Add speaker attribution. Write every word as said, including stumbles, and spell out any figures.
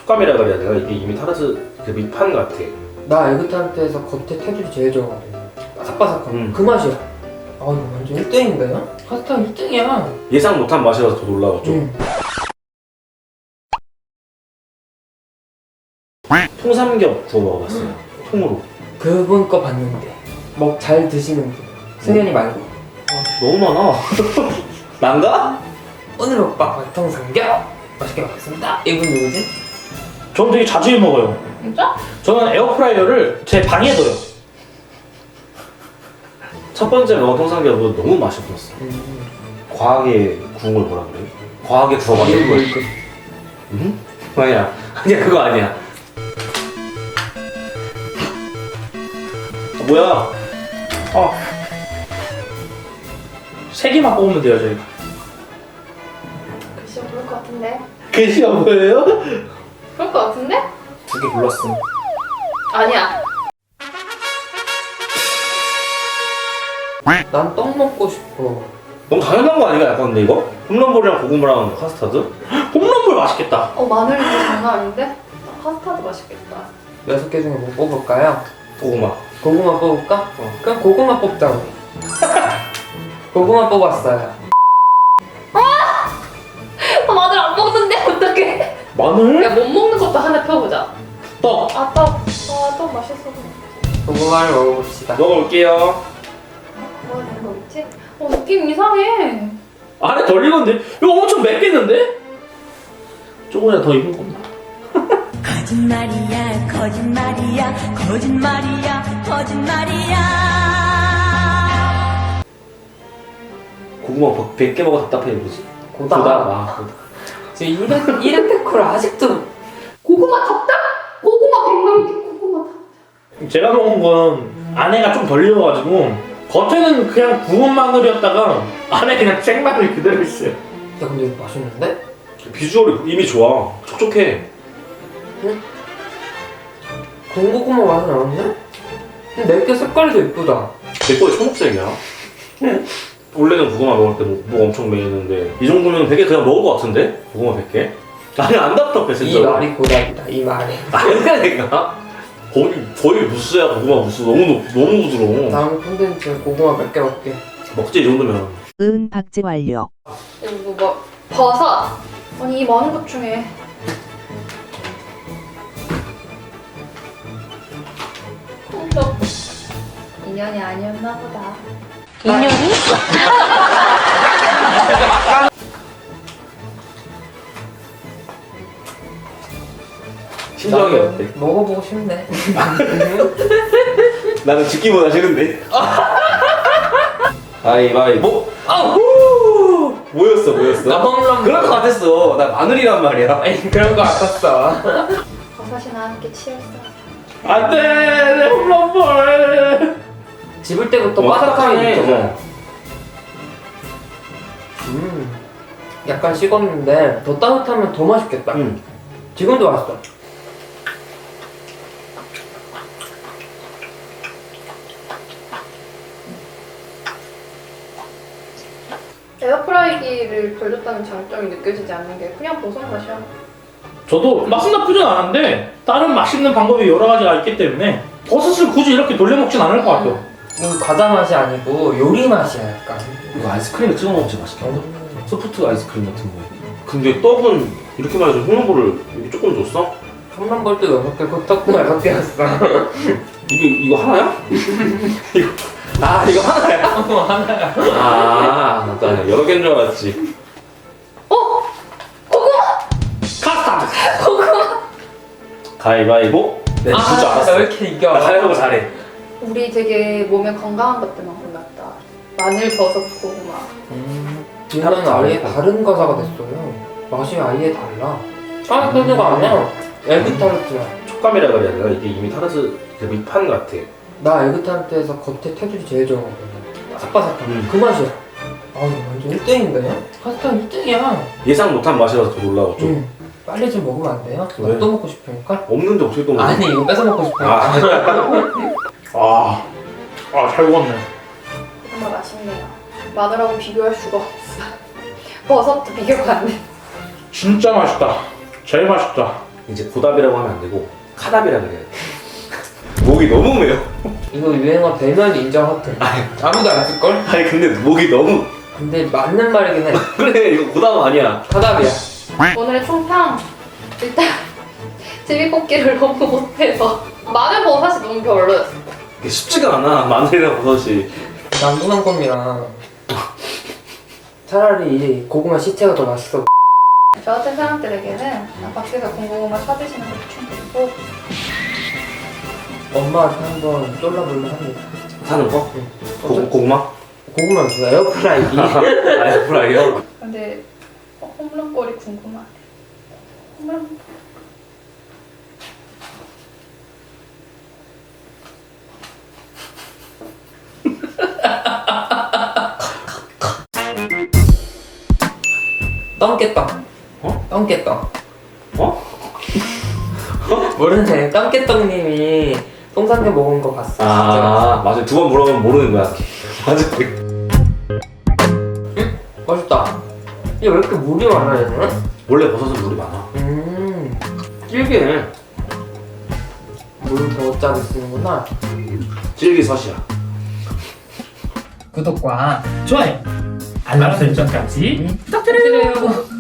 Speaker 1: 촉감이라 그래야 되나? 이게 이미 타르트 그 밑판 같아.
Speaker 2: 나 에그타르트에서 겉에 테두리 제일 좋아하거든. 바삭바삭한
Speaker 1: 음.
Speaker 2: 그 맛이야. 아 이거 완전 일 등인데요? 파스타 일 등이야.
Speaker 1: 예상 못한 맛이라서 더 놀라웠죠.
Speaker 2: 응.
Speaker 1: 통삼겹 구워 먹어봤어요. 음. 통으로.
Speaker 2: 그분 거 봤는데 뭐 잘 드시는 분 승현이 말고.
Speaker 1: 아, 너무 많아. 난가?
Speaker 2: 오늘 오빠 맛통 삼겹 맛있게 먹겠습니다. 이분 누구지?
Speaker 3: 저는 되게 자주 해 먹어요.
Speaker 4: 진짜?
Speaker 3: 저는 에어프라이어를 제 방에 둬요.
Speaker 1: 첫 번째 먹은 통삼겹은 너무 맛이 없었어.
Speaker 2: 음.
Speaker 1: 과하게 구운 걸 뭐라 그래? 과하게 구워가지고.
Speaker 2: 이거 이거.
Speaker 1: 응? 아니야. 아니야, 그거 아니야. 아, 뭐야?
Speaker 3: 아, 세 개만 뽑으면 돼요 저희가.
Speaker 4: 글쎄 그럴 것 같은데.
Speaker 3: 글씨가 뭐예요?
Speaker 4: 그럴 것 같은데?
Speaker 1: 두 개 골랐어.
Speaker 4: 아니야.
Speaker 2: 난 떡 먹고 싶어.
Speaker 1: 너무 당연한 거 아닌가? 약간 근데 이거? 홈런볼이랑 고구마랑 카스타드?
Speaker 3: 홈런볼 맛있겠다.
Speaker 4: 어 마늘도 장난 아닌데? 파스타도 맛있겠다.
Speaker 2: 여섯 개 중에 뭐 뽑을까요?
Speaker 1: 고구마.
Speaker 2: 고구마 뽑을까?
Speaker 1: 어.
Speaker 2: 그럼 고구마 뽑자 우리. 고구마 뽑았어요.
Speaker 4: 아 마늘 안 먹는데 어떡해?
Speaker 3: 마늘?
Speaker 4: 야 못 먹는 것도 하나 펴보자.
Speaker 3: 떡.
Speaker 4: 아 떡. 아 떡 맛있어.
Speaker 2: 고구마를 먹어봅시다.
Speaker 1: 먹어볼게요.
Speaker 4: 뭐가 되는 거겠지? 어 느낌 이상해.
Speaker 3: 안에 덜 익었는데? 이거 엄청 맵겠는데? 조금이라도 더 익은 겁니다.
Speaker 5: 거짓말이야 거짓말이야 거짓말이야 거짓말이야.
Speaker 1: 고구마 백 개 먹어 답답해 보지?
Speaker 2: 고다.
Speaker 1: 고다. 아,
Speaker 2: 지금 이름 이름 데코를 아직도.
Speaker 4: 고구마 덥다? 고구마 백만 개 고구마 다.
Speaker 3: 제가 먹은 건 안에가 좀 덜 익어가지고 겉에는 그냥 구운 마늘이었다가 안에 그냥 생마늘이 그대로 있어요.
Speaker 2: 야 근데 이거 맛있는데?
Speaker 1: 비주얼이 이미 좋아. 촉촉해.
Speaker 2: 군고구마 맛은 나는데? 근데 내게 색깔도 예쁘다.
Speaker 1: 내 거에 초록색이야. 원래는 고구마 먹을 때 목, 목 엄청 메이는데 이 정도면 백 개 그냥 먹을 것 같은데? 고구마 백 개? 아니 안 답답해 진짜.
Speaker 2: 이 말이 고답이다. 이 말이.
Speaker 1: 아니야 내가? 거의 거의 무스야. 고구마 무스. 너무 높- 너무 부드러워.
Speaker 2: 다음 콘텐츠 고구마 몇 개 먹게.
Speaker 1: 먹지 이 정도면.
Speaker 6: 은 박제 완료.
Speaker 4: 그리고 뭐 버섯. 아니 이 많은 것 중에 콩떡. 인연이 아니었나 보다.
Speaker 6: 인연이?
Speaker 1: 심정이
Speaker 2: 나는
Speaker 1: 어때?
Speaker 2: 먹어보고 싶네.
Speaker 1: 나는 듣기보다 싫은데. 가위바위보.
Speaker 2: 아우!
Speaker 1: 뭐였어 뭐였어?
Speaker 2: 나 홈런.
Speaker 1: 그럴 것 같았어. 나 마늘이란 말이야.
Speaker 2: 아니 그런 거 같았어.
Speaker 4: 버섯이나 함께 치웠어.
Speaker 3: 안돼 내 홈런볼.
Speaker 2: 집을 때부터
Speaker 1: 와,
Speaker 2: 바삭함이
Speaker 1: 딱딱하네.
Speaker 2: 느껴져. 음, 약간 식었는데 더 따뜻하면 더 맛있겠다.
Speaker 1: 응.
Speaker 2: 지금도 맛있어.
Speaker 4: 에어프라이기를 돌렸다는 장점이 느껴지지 않는 게 그냥 버섯 맛이야.
Speaker 3: 저도 맛은 나쁘진 않은데 다른 맛있는 방법이 여러 가지가 있기 때문에 버섯을 굳이 이렇게 돌려 먹진 않을 것 같아요.
Speaker 2: 이건 과자 맛이 아니고 요리 맛이야 약간.
Speaker 1: 이거 아이스크림에 찍어 먹으면 진짜 맛있겠다. 소프트 아이스크림 같은 거. 근데 떡은 이렇게 말해서 홈런볼을 이렇게 조금 줬어?
Speaker 2: 홈런볼도 여섯 개, 코떡도 여섯 개였어.
Speaker 1: 이게 이거 하나야? 이거 아 이거 하나야?
Speaker 2: 어, 하나야.
Speaker 1: 아, 나 여러 개인 줄 알았지.
Speaker 4: 어? 고구마!
Speaker 3: 카스타드.
Speaker 4: 고구마!
Speaker 1: 가위바위보. 네,
Speaker 2: 아,
Speaker 1: 줄줄 알았어.
Speaker 2: 왜 이렇게 이겨?
Speaker 1: 나 가위바위보 잘해.
Speaker 4: 우리 되게 몸에 건강한 것들만 골랐다. 마늘, 버섯, 고구마.
Speaker 2: 음, 이거는 아예 다른 과자가 됐어요. 맛이 아예 달라. 타르트가 아니야. 에그타르트야.
Speaker 1: 촉감이라 그래야 되나? 이게 이미 타르트 그 밑판 같아.
Speaker 2: 나 에그타르트에서 겉에 테두리 제일 좋아하거든. 바삭바삭한
Speaker 1: 음.
Speaker 2: 그 맛이야. 아 이거 완전 일 등인데? 파스타 일 등이야.
Speaker 1: 예상 못한 맛이라서 더 놀라웠죠.
Speaker 2: 응. 빨리 좀 먹으면 안 돼요? 나
Speaker 1: 왜?
Speaker 2: 또 먹고 싶으니까?
Speaker 1: 없는데 어떻게 또 먹어?
Speaker 2: 아니 이거 뺏어 먹고 싶으니까.
Speaker 1: 아,
Speaker 3: 아, 아, 잘 먹었네.
Speaker 4: 고구마 맛있네요. 마늘하고 비교할 수가 없어. 버섯도 비교가 안 돼.
Speaker 3: 진짜 맛있다. 제일 맛있다.
Speaker 1: 이제 고답이라고 하면 안 되고 카답이라 그래야 돼. 목이 너무 매워.
Speaker 2: 이거 유행어 되면 인정할게. 아무도 안 쓸걸?
Speaker 1: 아니 근데 목이 너무
Speaker 2: 근데 맞는 말이긴 해.
Speaker 1: 그래 이거 고답 아니야.
Speaker 2: 카답이야.
Speaker 4: 오늘의 총평. 일단 제비뽑기를 너무 못해서 마늘 버섯이 너무 별로였어.
Speaker 1: 이게 쉽지가 않아 마늘이랑 버섯이.
Speaker 2: 남부난꼼이랑 차라리 이 고구마 시체가 더 맛있어.
Speaker 4: 저 같은 사람들에게는 밖에서 군고구마 사드시는 걸 추천드리고
Speaker 2: 엄마한테 한번 쫄라볼만 합니다.
Speaker 1: 사는 거?
Speaker 2: 응.
Speaker 1: 고, 고구마?
Speaker 2: 고구마 무슨 에어프라이기.
Speaker 1: 아이프라이어?
Speaker 4: 근데 어, 홈런골이 궁금하네. 홈런
Speaker 2: 똥개떡.
Speaker 1: 어?
Speaker 2: 똥개떡.
Speaker 1: 어?
Speaker 2: 모르네. 똥개떡님이 똥삼겹 먹은 거 봤어.
Speaker 1: 아 맞아 두 번 물어보면 모르는 거야. 맞아.
Speaker 2: 맛있다. 이게 왜 이렇게 물이 많아 얘는?
Speaker 1: 원래 버섯은 물이 많아.
Speaker 2: 음.
Speaker 1: 질기네.
Speaker 2: 물 더 짜게 쓰는구나.
Speaker 1: 질기섯이야.
Speaker 3: 구독과 좋아요, 알람 설정까지 부탁드려요.